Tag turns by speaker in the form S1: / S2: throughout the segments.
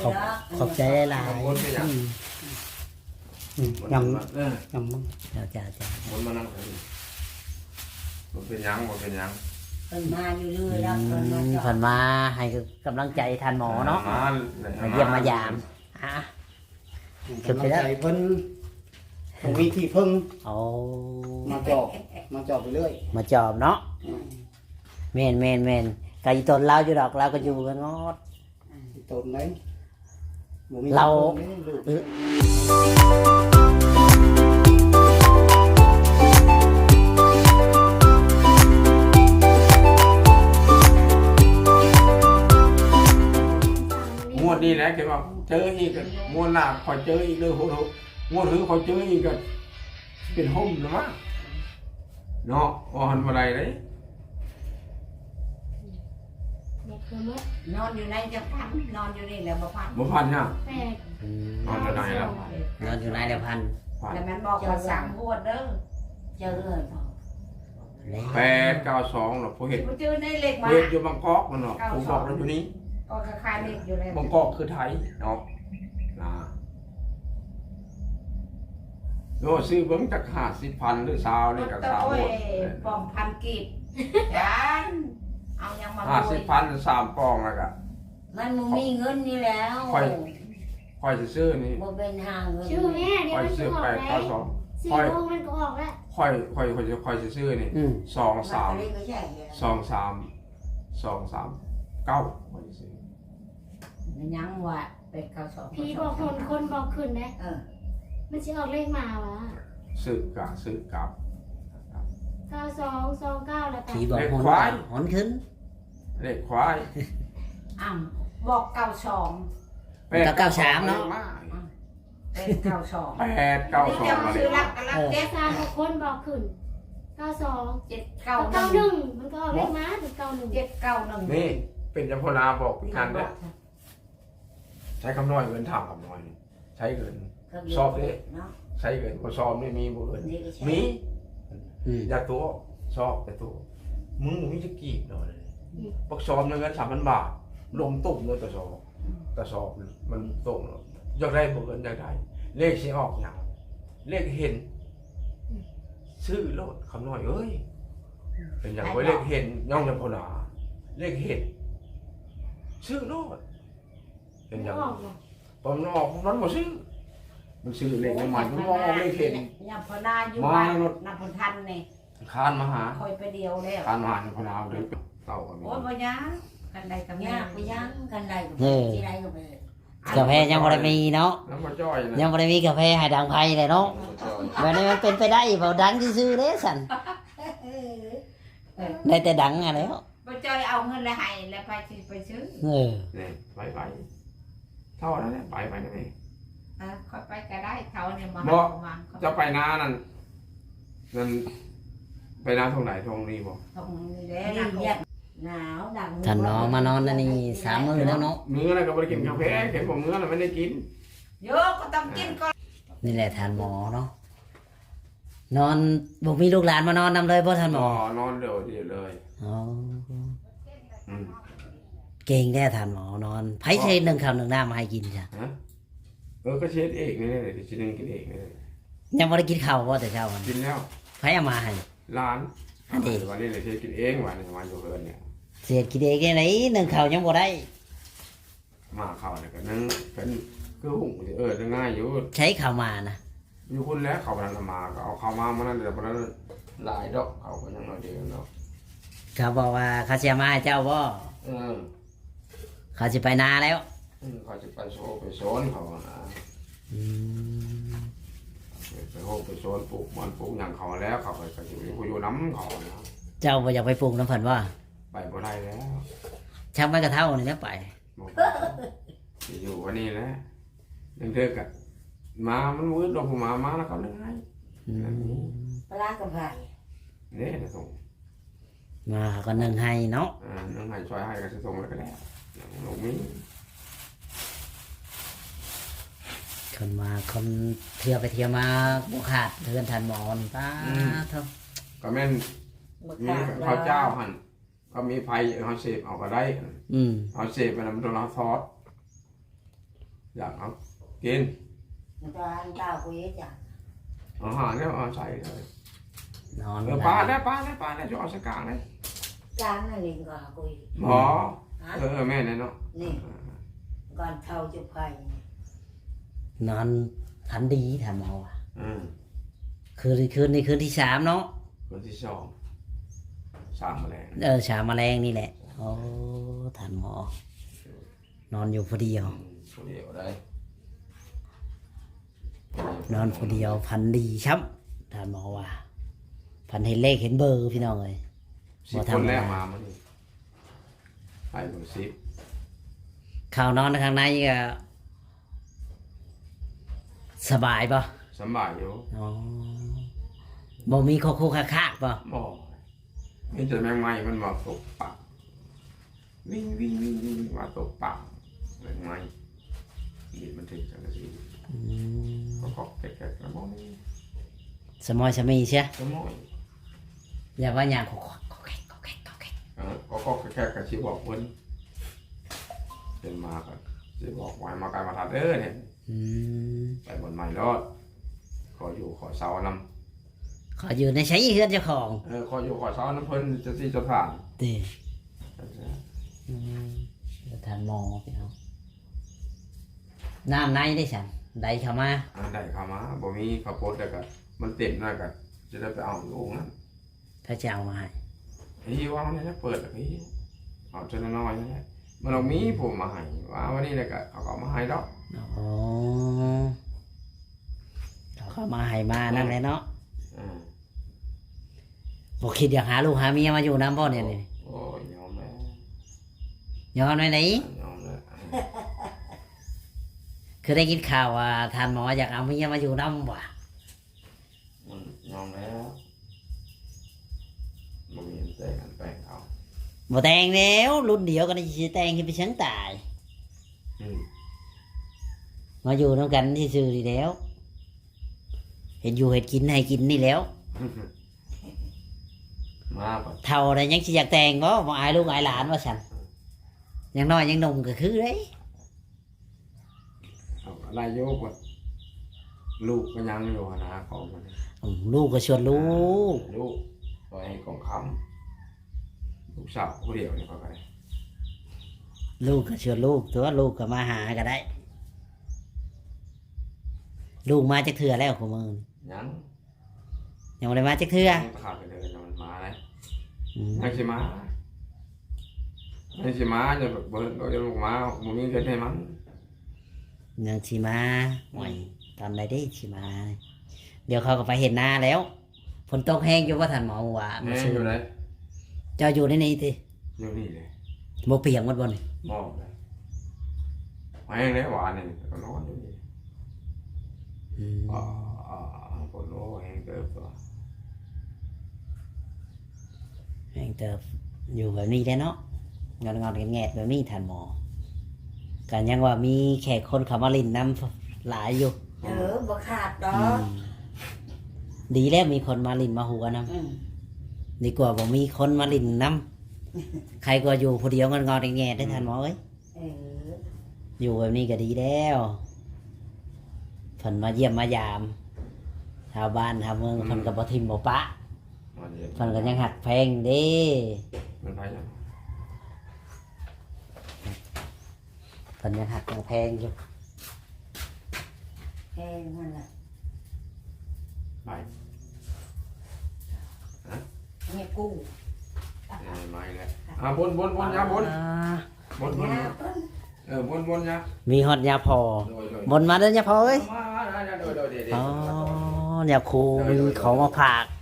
S1: ขอบใจหลายๆยำมึงจ้า
S2: มันมานั่งมันเป็นยัง
S3: เป็นมาอยู่เรื่อยแล้ว
S1: ผ่านมาให้กำลังใจท่านหมอเนาะมาเยี่ยมมายาม
S4: กำลังใจเพิ่นผมมีที่พึ่งมาจอบไปเรื่อย
S1: มาจอบเนาะแม่นไก่ตนเราอยู่ดอกเราก็อยู่กันงอด
S4: ตนไหน
S1: เรา
S2: งวดนี้แหละเกี่ยวกับเจออีกงวดหน้าคอยเจออีกเลยโหงวดถือคอยเจออีกก็เป็นห่มนะมั้งเนาะวันอะไรเลย
S3: นอนอยู่ในจะพันนอนอยู่นี่แหละบ่พัน
S2: เนี่ยนอนอยู่ไหนแล้ว
S1: นอนอยู่ไหนแล้วพัน
S3: แล้วมันบอกว่าสั่งบวชเด้อเจอเลย
S2: 892หรอผู้เห็น
S3: เจอในเหล็กมา
S2: อยู่บางกอกมันเนาะผมบอกแล้วอยู่นี้
S3: ก็คล้ายๆเหล็กอยู่แล้ว
S2: บางกอกคือไทยเนาะโน่ซื้อเบิ้งจาก50,000หรือ20นี่กับ3หมด
S3: ปองพันกีบยันเอายังมา
S2: 50,000 3ปองแล้วก็
S3: มันมีเงินนี่แล้ว
S2: ค่อยซื้อนี่
S3: บ่เป็นหาเงิน
S5: ชื่อแม่เดี๋ยวมันจะออกแล้ว4 โมงมันก็ออกแล้ว
S2: ค่อยซื้อนี่239ค่อยซื้อ
S3: ยังว่าเป็น92
S5: พี่บอกคนบอกขึ้นนะมันจะออกเลขมาวะ
S2: ซื้อกลับ
S5: 9229แล้ว
S1: พี่บอกหอนขึ้น
S2: เลขควาย
S3: บอก92
S1: 93เนาะ
S3: เป็น92
S2: 892
S3: ซื้อรัก
S5: เจ๊3 คนบอกขึ้น92 791มันก็ออกเลขมาถึง91
S2: นี่เป็นจำพนาบอกพี่นันเนี่ยใช้คำน้อยเงินถามคำน้อยใช้เงินสอบเลยใช้เงินพอสอบไม่มีบุญมีอยากตัวสอบแต่ตัวมึงมีจะกี่หน่อยปักสอบเงิน3,000 บาทลงตุ่มเลยแต่สอบมันตุ่มอยากได้บุญอยากได้เลขที่ออกอย่างเลขเห็นซื้อรถคำน้อยเอ้ยเป็นอย่างไว้เลขเห็นย่องจำพนาเลขเห็นซื้อรถเป็นอย่างตอนออกนั้นมาซื้อมันซื้อเลขใหม่มันมองเลขเห็น
S3: ยามพนาอยู่บ้านนับพทันนี่
S2: คานมาหา
S3: คอยไปเดียวแล้ว
S2: คานมาหาพนาเลยเต่ากัน
S3: โอ้ยบ่ยังกันใดกับยากบ่ยังกันใดกับที่ใดก็ไป
S1: กาแฟยังบ่ได้มีเนาะยังบ่ได้มีกาแฟให้ดังไผเลยเนาะแบบนี้มันเป็นไปได้บ่ดังซื่อๆเด้สั่นได้แต่ดังอ่ะแล้ว
S3: บ่จอยเอาเงินแล้วให้แล้วไปซื้อ
S2: นี่ไปเท่านั้นแหละไปนั่นเอง
S3: ค่อยไปก็ได้เท่านี้มา
S2: จะไปนานั่นไปนาตรงไหนตรงนี้บ่
S3: ตรงนี้แหละหนาวดัง
S1: ท่านน้องมานอนนี่3 มื้อแล้วเนาะ
S2: มื้ออะไรก็บ่ได้กินกาแฟเห็นผมมื้ออะไรไม่ได้กิน
S3: เยอะก็ต้องกินก่อน
S1: นี่แหละท่านหมอเนาะนอนบ่มีลูกหลานมานอนนำเลยบ่ท่านหม
S2: อนอนเดี๋ยวเลย
S1: เก่งแท้ท่านหมอนอนไผใช้1 ข้าว 1 น้ำมาให้กินจ้ะ
S2: ก็เช็ดเองนี่แหละกินกินเอง
S1: ยังบ่ได้กินข้าวบ่แต่เช้ามัน
S2: กินแล้ว
S1: ไผเอามาให้
S2: ร้านอันนี้วันนี้เลยเช็ดกินเองวันนี้มาอยู่เพิ่นเนี่ย
S1: เสียกินเองได้1 ข้าวยังบ่ได้
S2: มาข้าวเนี่ยก็นึงเป็นคือหุ่งง่ายอยู่
S1: ใช้ข้าวมานะ
S2: อยู่คนแล้วเขาพนันมาก็เอาข้าวมามันนั่นแต่พนันหลายดอกเขาก็ยังน้อยเดียวเนาะ
S1: เขาบอกว่าเขาจะมาเจ้าบ่เขาจะไปนาแล้ว
S2: เขาจะไปโซนเขานะไปโฮไปโซนปลูกมันปลูกอย่างเขาแล้วเขาไปจะอยู่น้ำเขานะ
S1: เจ้าบ่อยากไปปลูกน้ำเพิ่นว่า
S2: ไปบ่ได้แล้ว
S1: ช่างไม่กระเท่านี่แล้วไป
S2: อยู่วันนี้แหละยังเท่ากันมามันวืดดอกมาแล้วเขาเลี้ยงให้
S3: ปลากระเพรา
S2: เนี่ยจะส่ง
S1: มาก็นึ่งให้เนาะ
S2: นึ่งให้ช่วยให้ก็จะส่งแล้วก็ได้หลงมิ้ง
S1: คนมาคนเที่ยวไปเที่ยวมาบุขาดเทือนทันหมอนป้าเท่า
S2: ก็แม่นมีข้าวเจ้าหั่นก็มีไฟเขาเสพเอาก็ได้เอาเสพไปนำตัวเราทอดอยากเอากิน
S3: มันจะอันเก่ากูเยอะจัง
S2: อาหารเนี่ยเอาใส่เลย
S1: นอน
S2: ปลาได้จะเอาสักกลางเลย
S3: จานนั่นเองก็กู
S2: หมอแม่เนี่ยเนาะ
S3: นี่ก่อนเท่าจุไผ่
S1: นอนฝันดีทำเอาอ่ะ
S2: คืน
S1: คืนนี้คืนที่3เนาะ
S2: ที่สองสามแมลง
S1: สามแมลงนี่แหละโอ้ท่านหมอ นอนอยู่ผู้เดียว
S2: ผู้เดียวได้
S1: นอนผู้เดียวพันดีช้ำท่านหมอว่าพันเห็นเลขเห็นเบอร์พี่น้องเลย
S2: 10 คนแรกมามันให้เบอร์10
S1: ข่าวนอนข้างในก็สบายป่ะ
S2: สบายอยู่
S1: อ๋อบ่มีโคโค่คากป่ะ
S2: บ่มีแต่แมงไม้มันมาตกปากวิ่งมาตกปากแมงไม้อีมันถึงจังซี่ก็แกะๆแล้วบ่มี
S1: สมอยสมีใช่
S2: สมอย
S1: อย่าว่าอย่างโค
S2: ก็แค่กระชิบบอกเพิ่นเป็นมาก็สิบอกไว้มาไกลมาทัดเด้อเนี่ย ไปบนไม้รอดขออยู่ขอเสานำ
S1: ขออยู่ในใช้เฮือนเจ้าของ
S2: ขออยู่ขอเสาน้ำเพิ่นจะที่จะผ่าน
S1: ดีท่านหมอพี่น้องน้ำในได้ฉันได้เข้ามา
S2: ได้เข้ามาบ่มีข้าวโพดแล้วก็มันเต็มแล้วก็จะได้ไปเอาลูกนั้น
S1: ถ้าจะเอามาให้
S2: พี่ว่ามันจะเปิดแล้วพี่เอาจนน้อยนี่แหละมันเอามีผมมาให้ว่าวันนี้แล้วก็เอามาให้ดอก
S1: อ๋อเขาเข้ามาให้มานั่นแหละเนาะบอกคิดอยากหาลูกหาเมียมาอยู่น้ำบ่เนี่ยนี่
S2: โอ้ยยอมแล้ว
S1: ย้อนไว้ไหน
S2: ยอมแล้ว
S1: คือได้กินข่าวว่าท่านหมออยากเอาเมียมาอยู่น้ำว่ะ
S2: มันยอมแล้วบ่มีแต่กันแปลงเอา
S1: บ่แต่งแล้วรุ่นเดียวกันจะแต่งขึ้นไปชั้นตาย มาอยู่น้ำกันที่ซื่อดีแล้ว เห็นอยู่เห็นกินให้กินนี่แล้ว
S2: มาปะ
S1: เท่าไรยังสิอยากแต่งบ่บ่อายลูกอายหลานว่าฉันยังน้อยยังหนุ่มก็คือเด้
S2: เอาอะไรโยกวะลูกก็ยังอยู่นะของมัน
S1: ลูกก็ชวนลูก
S2: ลูกปล่อยให้ของคำลูกสาวผู้เดียวนี่ก็ไป
S1: ลูกก็ชวนลูกตัวลูกก็มาหาก็ได้ ลูกมาจากเถื่อแล้วของมึง
S2: ยัง
S1: ยังบ่ได้มาจากเถื่อ
S2: ขาดไปเลยมันมาเลย
S1: อืม
S2: ยังสิมายังสิมาจะแบบเบิร์ดก็จะลูกมาบุมีเงินให้มัน
S1: ยังสิมาหน่อยตอนใดได้สิมา เดี๋ยวเขาก็ไปเห็นหน้าแล้วฝนตกแห้งอยู่ว่าท่านหมอว่า
S2: แม่อยู่ไหน
S1: เจ้าอยู่ในนี้ติ
S2: อยู่นี่เลย
S1: บ่เปียกหมดบ่นี่
S2: มองเลยแห้งเลยหวานนี่ก็นอนอยู่นี่
S1: อืม
S2: ปวดโอ้แห้งเกินตัว
S1: แห้งเติบอยู่แบบนี้ได้เนาะงอนๆแงดๆแบบนี้ท่านหมอกันยังว่ามีแขกคนเขามาลินน้ำหลายอยู่
S3: บ่ขาดดอ
S1: อื
S3: ก
S1: มดีแล้วมีคนมาลินมาหัวน้ำดีกว่าบ่มีคนมาลินน้ำใครก็อยู่ผู้เดียวงอนๆแงดๆได้ท่านหมอเอ้ยอยู่แบบนี้ก็ดีแล้วเพิ่นมาเยี่ยมมายามชาวบ้านชาวเมืองเพิ่นก็บ่ทิมบ่ปะ
S2: มันเย็น
S1: เพิ่นก็ยังหักแพงเด้
S2: มันไปยัง
S1: เพิ่นยังหักยังแพงอยู่
S3: แห้งนั่นแหละ
S2: ไป
S3: เนี่ยกู้
S2: ไม่เลยบนยาบนบน
S3: เนี่ยเพิ่น
S2: บนยา
S1: มีฮอดยาพอ บนมาเด้อยาพอเอ้ย
S2: มา
S1: อ๋อยาคูมีของมาฝาก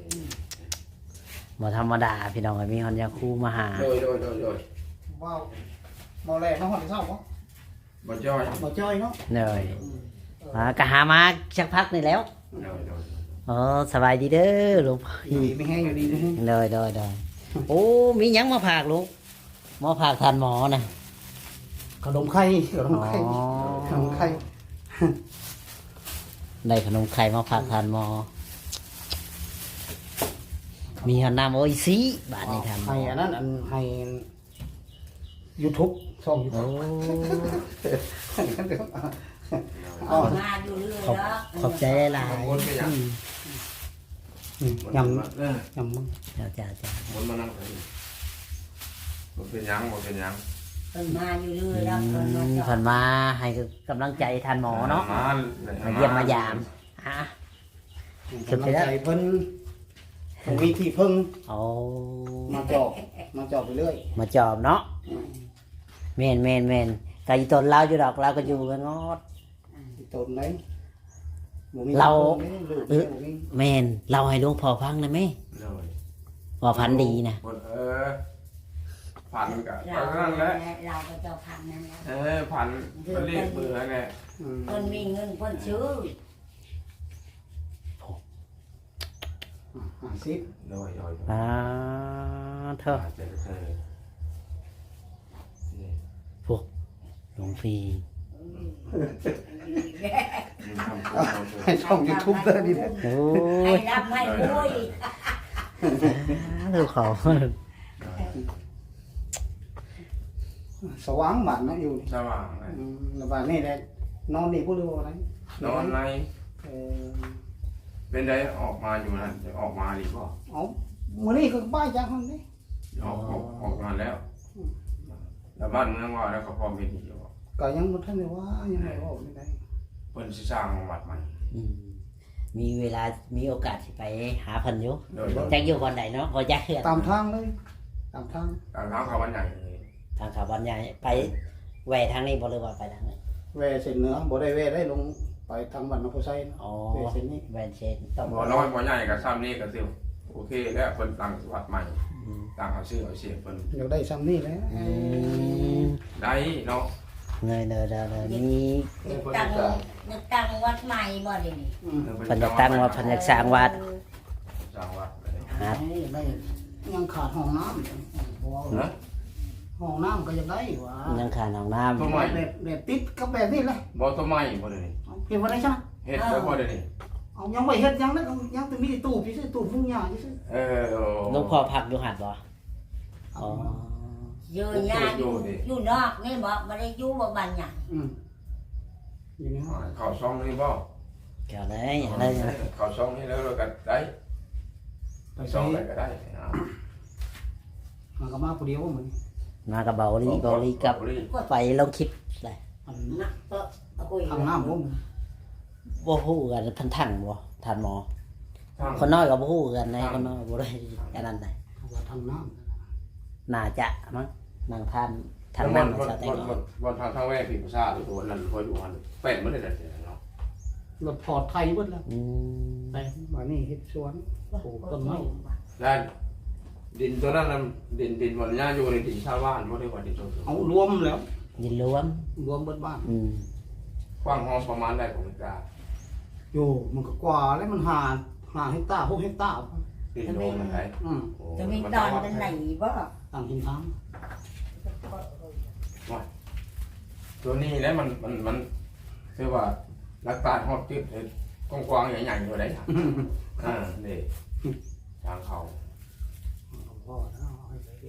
S1: บ่ธรรมดาพี่น้องเอ้ยมีฮอดยาคูมาหา
S2: โดย
S4: ว้าวเมาแรงมาหอดเศร้าบ่
S2: บ่จ้อย
S4: บ่จ้อยเนาะ
S1: เลยก็หามาสักพักนี่แล้ว อ๋อสบายดีเด้อลูก
S4: ดีไม่แห้งอยู่ดีนะ
S1: เลยโอ้มีหยังมาฝากลูกมาฝากทานหมอนะ
S4: ขนมไข่ขนมไข่
S1: อ๋อ
S4: ขนมไข่
S1: ได้ขนมไข่มาฝากทานหมอ มีหอนน้ำโอ้ยซีบาทนี้ทานหมอ
S4: ให้อันนั้นอันให้ YouTube ช่อง
S1: โอ้
S4: YouTube
S3: เอามาอยู่เรื่อยแล้ว
S1: ขอบใจหลาย
S2: วนไปยัง
S4: ยัง
S2: เออ
S4: ยังมึง
S1: เจ้าเจ้าเจ้า
S2: วนมานั่งเลยบ่เป็นหยังบ่เป็นหยัง
S3: เพิ่นมาอยู่เรื่อยแล้วเพิ่นมาจอ
S1: ผ่า
S3: ด
S1: นมาให้กำลังใจทันหมอเนาะ
S2: มา
S1: มาเยี่ยมมายามฮะ
S4: กำลังใจเพิ่นผมมีที่พึ่ง
S1: โอ้
S4: มาจอบไปเรื่อย
S1: มาจอบเนาะแม่นไก่ตนเราอยู่ดอกเราก็อยู่กันงอด
S4: ที่ต้นไหนบ่มี
S1: เรา
S4: ลูกบ่มี
S1: แม่นเราให้หลวงพ่อฟังได้ไหม
S2: เลย
S1: ว่าพันดีนะ
S2: ผ่านกับ
S3: เรา
S2: นั่นแหละ
S3: เราก็เจ้าพันนั่นแหละ
S2: ผ่านก็เรียกเบื่อแหละ
S4: อืม
S3: เพิ่นมีเงินเพิ่นซื้อ
S4: 50
S2: โดย
S1: อ่าเถอะ
S2: เจอเธอ
S1: หลวงพี่
S2: ทำ
S4: ให้ช่อง YouTube เด้อนี่แหละ
S1: โอ้
S3: ให้
S1: ย
S3: รับให้รวย
S1: ลูกเขา
S4: สว่างบ้านนะอยู่นี่
S2: สว่าง
S4: แล้วบ้านนี่แหละนอนนี่บ่รู้อะไร
S2: นอนใน
S4: เออ
S2: เป็นได้ออกมาอยู่นั่นออกมาดีป่ะ
S4: เอามื้อนี้ก็ป้ายจากห้องนี่
S2: ออกมาแล้วแล้วบ้านเมืองว่าแล้วก็พร้อมเป็นอยู่
S4: ก็ยังบ่ทันได้ว่ายังไงว่าไม่ได้
S2: เพิ่นสิสร้างวัดใหม่
S1: อืมมีเวลามีโอกาสสิไปหาเพิ่นอยู่
S2: โดย
S1: จักอยู่คนใดเนาะบ่จักเฮือน
S4: ตามทางเลยตามทาง
S2: ทางเขาวันใหญ่เลย
S1: ทางเขาบ้านใหญ่ไปแหวทางนี้บ่หรือว่าไปทางไหน
S4: แวเส้นเหนือบ่ได้แวได้ลงไปทางบ้านนครไซนะ
S1: อ๋อ
S4: แวเส้นนี้
S1: แหวนเชนต้อง
S2: บ่น้อยบ่ใหญ่กับซ้ำนี่ก็สิโอเคแล้วเพิ่นตั้งวัดใหม่
S1: อืม
S2: ตั้งเอาชื่อเอาเสียงเพิ่น
S4: อยากได้ซ้ำนี่แหละ
S1: อืม
S2: ได้เนาะ
S1: เงยเด้อมี
S3: ตั้งวัดใหม่บ่ได้นี่
S4: อืม
S1: เพิ่นจะตั้งว่าเพิ่นจะสร้างวัด
S2: สร้างวัดเลย
S1: หา
S4: ได้ยังขาดห้องน้ำ
S2: นะ
S4: ห้องน้ำก็ยังได้ว่า
S1: ยังขาดห้องน้ำ
S2: ต้นไม้
S4: แบบติดกับแบบนี้เลย
S2: บ่ต้นไม้บ่ได้นี่
S4: เอาเก็บไว้ได้ใช่ไหม
S2: เฮ็ดแล้วบ่ได้นี่
S4: เอายังไม่เฮ็ดยังนะยังแต่มีตู้พี่ซื้อตู้ฟุ้งยาพี่ซื้อ
S1: หลวงพ่อพักอยู่หัดบ่อ๋อ
S3: อยู่ยาอยู่นอกนี่บ่บ่ได้อยู่บ่บ้านหยัง
S4: อยู่นี่
S2: เข้าช่องนี่บ่
S1: เกี่ยวเลยอะไร
S2: เข้าช่องนี่แล้วเราก็ได้
S4: ไป
S2: ช่
S4: ใช้
S2: องไหนก็ได้
S4: มันก็มาผู้เดียวเหมือน
S1: มากับเบาลีกับไปลงคลิปเลย
S4: อัน
S3: นะก็เอาคุย
S4: ทางน้ำผม
S1: บ่ฮู้กันทันทังบ่ทันหมอ
S2: ทาง
S1: คนน้อยก็บ่ฮู้กันในคนน้อยบ่ได้อันนั้นได้
S4: ทางน้
S1: น่าจะมั้งนางท่านทาง
S2: บ
S1: นั้น
S2: น
S1: ชาวไต้
S2: บนทางแว่ผีประสาทหรือตัวนั้นพออยู่หันเป็นมันได้แต่เนาะ
S4: ำรถพอร์ตไทยเบิดแล้ว
S1: อืม
S4: แต่ว่านี่เฮ็ดสวนปลูกต้นไม้
S2: ได้ดินตัวนั้นดินบนหญ้าอยู่ในดินชาวบ้านบ่ได้ว่าดินชาว
S4: เอารวมแล้ว
S1: ยินรวม
S4: รวมเบิดบ้าน
S1: อืม
S2: กว้างห้องประมาณได้ของกา
S4: อยู่มันก็กว่าแล้วมันหาเฮกตาร์6เฮกตาร์
S2: ดินโลมันได้
S3: จะมีตอนกันไหนบ่
S4: ต่างหินทาง
S2: ตัวนี้แล้วมันคือว่ารักษาฮอดจุดกว้างๆใหญ่ๆอยู่ได้นี่ทางเขา
S4: พ่อแล้วเอาให้ไปดู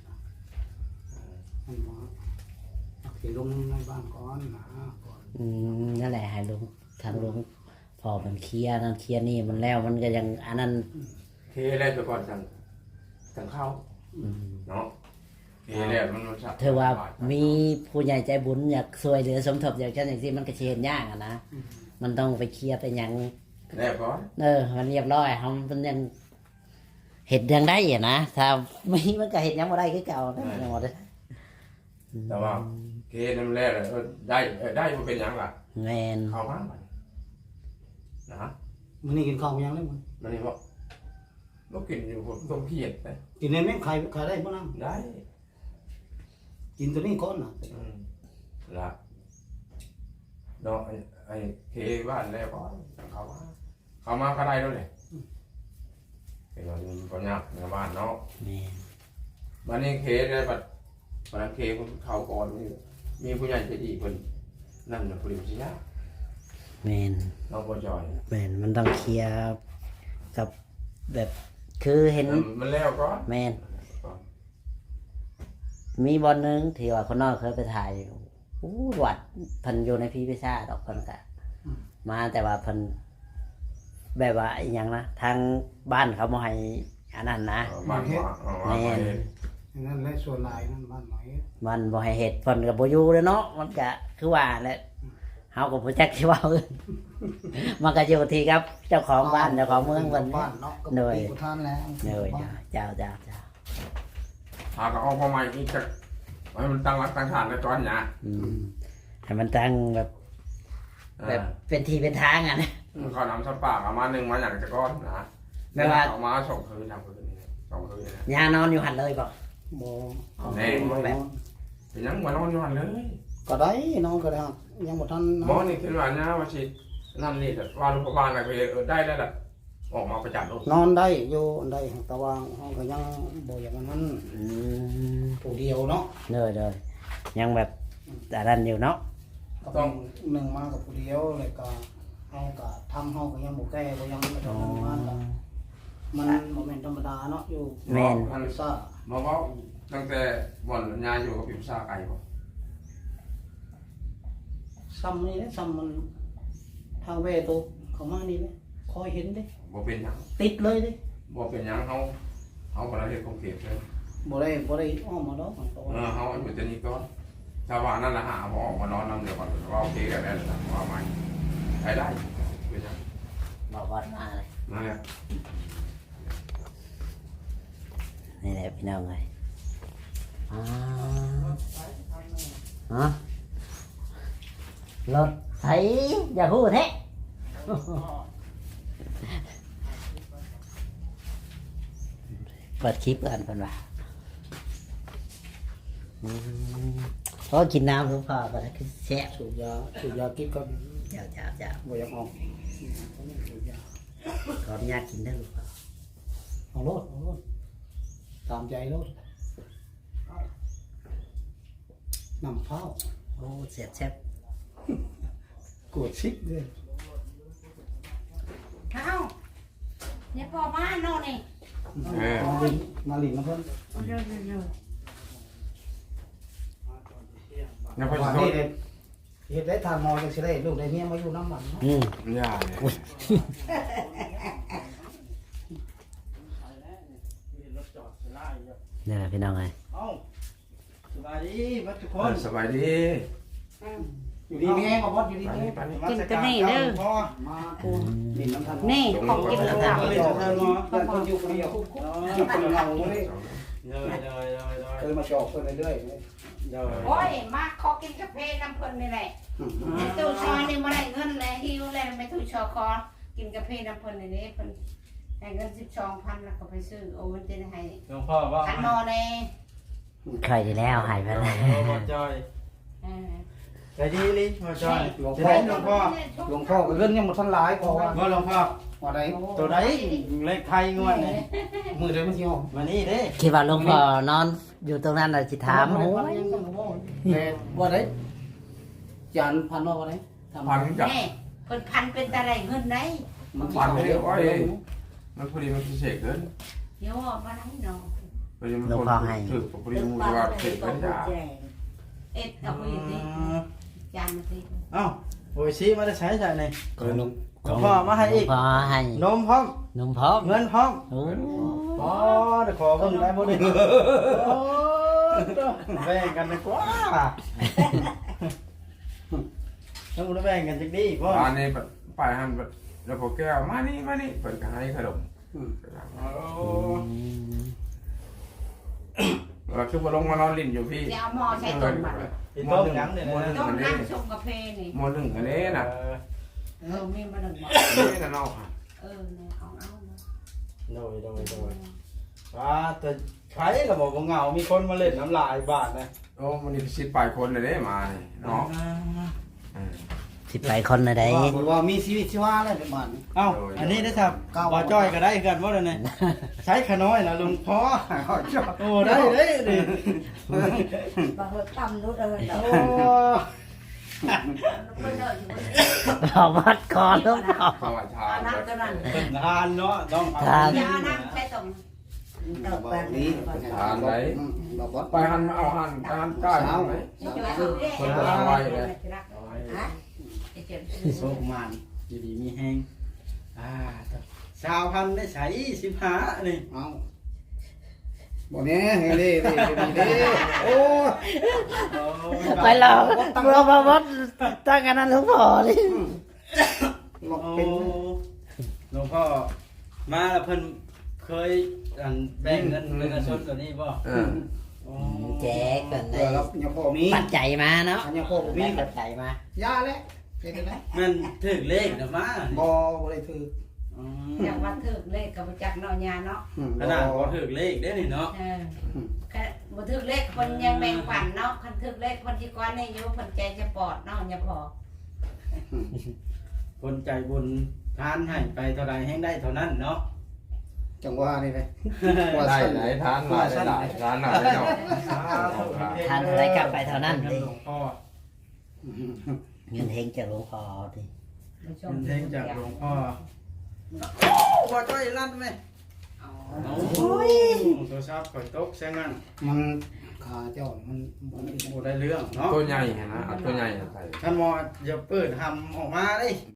S4: ให้มาเอาไปลงในบ้านก่อนนะก่อน
S1: อืมนั่นแหละให้ลุงทางลุงพอมันเคลียร์นั่นเคลียร์นี่มันแล้วมันก็ยังอันนั้น
S2: เทแรกไปก่อนสั่งเข้า
S1: อืม
S2: เนาะเทแรกมัน
S1: เธอว่ามีผู้ใหญ่ใจบุญอยากช่วยเหลือสมทบอย่างเช่นอย่างที่มันก็สิเห็นยากอะนะมันต้องไปเคลียร์ไปหยัง
S2: แรกก่อน
S1: มันเรียบร้อยมันยังเห็ดยังได้อะนะถ้าไม่มันก็เห็ดยังบ่ได้คือเก่านะยังบ่ได้
S2: แต่ว่าเทนั่นแรกได้มันเป็นยังล่ะ
S1: แม่น
S2: เข้ามานะ
S4: มันนี่กินข้าวยังเลยมัน
S2: มันนี่บอกเรากินอยู่ผมต้องเครียดนะ
S4: กินในแม่งใครได้บ้าง
S2: ได้
S4: กินตัวนี้ก่อนนะ
S2: ละเนาะไอ้เคบ้านแล้วก็เขามาก็ได้ด้วยเลยเป็นวันก็ยากในบ้านเนาะ
S1: แม่น
S2: วันนี้เคได้บัดวันเคเขาก่อนมีผู้ใหญ่ใจดีคนนั่นนะผู้เดียวสิยา
S1: แม่น
S2: น้องบัวจอย
S1: แม่นมันต้องเคลียร์กับแบบคือเห็น
S2: มันแล้วก็
S1: แม่นมีบอลนึงที่ว่าคนนอกเคยไปถ่ายอยู่อู้วัดเพิ่นอยู่ในพีพิซซ่าดอกเพิ่นก็มาแต่ว่าเพิ่นแบบว่าอหยังนะทางบ้านเขาบ่ให้อันนั้นนะ
S2: บ้านว่า
S1: แม่น
S4: นั่นแหละส่วนหลายนั่นบ้านหน่อย
S1: มันบ่ให้เฮ็ดเพิ่นก็บ่อยู่แล้วเนาะมันก็คือว่าแหละเฮาก็บ่จักสิเว้าอื่นมันก็อยู่ที่ครับเจ้าของบ้านเจ้าของเมืองเพิ่น
S4: บ้านเนาะก็
S1: เหนื่อย
S4: มีผู้ท่านแล้ว
S1: เนยเจ้า
S2: หาก็เอาพอใหม่อีกจักให้มันตั้งรักตั้งฐานในตอนนี้
S1: อืมให้มันตั้งแบบเป็นที่เป็นทางอ่ะนะ
S2: เขานำสัตว์ป่ามา1มาอย่างจะก้อนนะ
S1: แม่ว่า
S2: เอามา2คืนทำคืนนี่2คืนนี่
S1: ยานอนอยู่หันเลยบ่
S4: บ่
S2: แน่เป็นยังบ่นอนอยู่หั่นเลย
S4: ก็ได้น้องก็ได้ครับยังบ่ทัน
S2: หมอนี่คิดว่านะว่าสินั่นนี่แต่ว่าโรงพยาบาลอะไรก็ได้แล้วล่ะออกมาประจันโรคน
S4: อนได้อยู่ได้แต่ว่าห้องก็ยังบ่อย่างนั้น
S1: อืม
S4: ผู้เดียวเนาะ
S1: เลยยังแบบแต่ดันอยู่เนาะ
S4: ก็ต้องหนึ่งมากับผู้เดียวเลยก็เฮาก็ทำเฮาก็ยังบ่แก้บ่ยังบ่ทำงานก็มันบ่แม่นธรรมดาเนาะอยู่
S1: แม่น
S4: อันซ่า
S2: หมอว่าตั้งแต่บ่อนยาอยู่กับพิมพ์ซาไก่บ่
S4: ซ้ำนี่แหละซ้ำมันทางเวตัวเข้ามานี่แหละคอยเห็นเด้
S2: บ่เป็นหยัง
S4: ติดเลยเด้
S2: บ่เป็นหยังเฮาบ่ได้เฮ็ดของเก็บเลย
S4: บ่ได้อ้อมมาดอกมันตัว
S2: เฮาอยู่แต่นี้ก่อนถ้าว่านั่นน่ะหาบ่ออกมานอนนำเดี๋ยวก่อนว่าโอเคกันแล้วนะว่าใหม่ไปได้เป็นหยัง
S1: บอกวัดมาเลย
S2: นั่นแหละ
S1: นี่แหละพี่น้องเลยฮะรถไถอย่าพูดแท้เปิดคลิปกันเพิ่นว่าเพราะกินน้ำทุกพอก็ได้คือแซ่บ
S4: สูบยากินก็
S1: เจ้า
S4: บ่อยากออกสูบยา
S1: ขออนุญาตกินได้หรือเปล่า
S4: เอาโลดตามใจโลดน้ำเผา
S1: โอ้แซ่บ
S4: กวดชิกเลย
S3: เอ้าเนี่ยพอมาโน่นนี่
S4: มาหลินนะเพิ่น
S3: เร็ว
S2: ยังพอ
S4: ว่า
S2: สิโท
S4: นี่
S2: ษ
S4: เด็ดเฮ็ดได้ทานมอจังสิได้ลูกได้เมียมาอยู่น้ำมันเนาะ
S2: ย่าเนี่ย
S1: นี่แหละพี่น้องเลย
S4: เอ้าสบายดีบัดทุกคน
S2: สบายดี
S4: อยู่ดีมีแห้งบ่บ่อยู่ดี
S2: ไป
S4: มี
S2: นี่
S4: แห้ง
S2: ไปนี่
S3: กินกันนี่เด้อ
S4: มากูดินน้ำทัน
S3: นี่ของกิน
S4: แล้
S3: แล้ว ว
S4: ก็
S3: จ้ะ
S4: เลยจะทานเนาะเพิ่นคนอยู่คนเดียวอยู่คนเงาเลย เคยมาจอกเพิ่นเรื่อยๆ
S3: โอ้ยมาขอกินกาแฟน้ำเพิ่นนี่แหละตู้ชอนี่มาได้เงินแล้วหิวแล้วไม่ตู้ชอคอกินกาแฟน้ำเพิ่นนี่เพิ่นให้เงิน12,000แล้วก็ไปซื้อโอ้มันจะให้
S6: หลวงพ่อว่า
S3: ขันนอแน่
S1: ใครที่แล้วหายไปแล้ว
S6: หลวงจอยใจดีลิมาจอย
S4: หลวง
S6: จะ
S4: พ่อ
S6: ได้หลวงพ่อ
S4: หลวงพ่อก็เรื่องยังบ่ทันหลายพอว่า
S6: ว่าหลวงพ่อ
S4: ว่าได้
S6: ตัวไหนเลขไทยงวดนี่
S4: มือเดียวมันสิออก
S6: มานี่เด้
S1: คิดว่าหลวงพ่อนอนอยู่ตรงนั้นน่ะสิถามโอ้ย
S4: แต่ว่าได้จานพันว่าได้ทำ
S2: พันกับ
S3: แน่เพิ่นพันเป็นตะไรเงินได้
S4: มัน
S2: พันไม่ได้อ้อยมันพอดีมันพิเศษเกิน
S3: เดี๋ยวว่ามาได้เนาะ
S2: พอดีมันคนถือพอดีมันว่าเสกเป็นยา
S3: เอ็ดเอาไปนี่จานมาสิ
S6: เอ้าโอ้ยซีมาได้ใช้ใช่ไหน
S1: ของหลวง
S6: หลวงพ่อมาให้
S1: หลว
S6: อี
S1: ง
S6: ก
S1: พ่อให้
S6: นมพร้อม
S1: นมพร้อม
S6: เงินพร้อม
S1: โอ้
S6: อ๋อเดี๋ยวขอเบิ่งได้บ่ดิโอ้แบ่งกันดีกว่าต้องแบ่งกันจักดีพ่อ
S2: อันนี้ไปหันแล้วพอแก้วมานี่เปิดก็ให้ขนม
S6: โอ้
S2: เราคือมาลงมานอนลิ้นอยู่พี่
S3: เดี๋ยวเอาหม้อใช้ต้มบัด
S6: อีต้มยังเนี่ย
S3: ต้มน้ำชงกาแฟนี่
S2: มอหนึ่งอันนี้นะ
S3: มีมาหนึ่งหม้อ
S2: นี่นะน้อง
S3: เนี่ยเอาเนาะ
S6: โดยว่าแต่ใครก็บอกว่าเหงามีคนมาเล่นน้ำลายบาทนะ
S2: โอ้มันนี่สิบปลายคนเลยมาเนาะ
S1: สิไปคนละใด
S4: ว่ามีชีวิตชีวาอะไรประมาณนี้
S6: เอ้าอันนี้ได้ครับบ่จ้อยก็ได้กันว่าเลยใช้ขน้อยนะลุงพ่อโอ้ได้ดิ
S3: บางคนต่ำนู้นเออ
S6: โอ้
S1: เอาวัดก่อนหลวงพ่อ
S2: ภาวะชา
S3: น้ำตัวนั้น
S6: ทานเนาะต้อง
S3: ยาน้ำใช้ต้ม
S1: ท
S4: บอกนี้ บอกบอส
S2: ไปหันเอาหันไปหันใกล้เอาไหมคนละไว้เลย
S6: โชคมันอยู่ดีมีแห้งชาวพันได้ใช้15นี่
S4: เอาบอกนี้เฮ้ยดิโอ้
S1: ไปหลอกบ่ตั้งกันนั้นหลวงพ่อเลย
S4: หลอก
S6: โอ้
S4: เป็น
S6: หลวงพ่อมาแล้วเพิ่นเคยแบ่งเงินเป็นกระชนตัวนี้บ่
S1: แจกกัน
S4: เอ
S1: ได้
S4: อแล้วยังพอมี
S1: ปัจจัยมาเนาะ
S4: ยังพอมี
S1: ปัจจัยมา
S4: ยาแล้วเป็นไง
S6: มันถึงเลขน่ะมา
S4: บออะไรคือ
S3: อยากว่าถึกเลขกับจักเนาะยาเนาะ
S6: ขนาดบ่ถึงเลขได้นี่เนาะ
S3: บ่ถึกเลขคนยังแบ่งปันเนาะคันถึกเลขคนที่ก้อนนี่อยู่คนใจจะปอดเนาะอย่าพอ
S6: คนใจบุญทานให้ไปเท่าใดแห่งได้เท่านั้นเนาะ
S4: จังว่านี่เลย
S2: ได้ไหนทานมาได้ทานหน่อยเนาะ
S1: ทานเท่าไรกลับไปเท่านั้น
S6: เงิ
S1: ดิ
S6: นหลวงพ่อ
S1: เงินเฮงจากหลวงพ่อดิ
S6: เงินเทงจากหลวงพ่อบ่จ้อยลั่นไหมโอ้ยโทรศัพท์ข่อยตกแซงงั้น
S4: มันขาเจ้ามัน
S6: บ่ได้เรื่องเนาะ
S2: ตัวใหญ่นะเอาตัวใหญ่ใส่
S6: ท่านหมออย่าเปิดทำออกมาเด้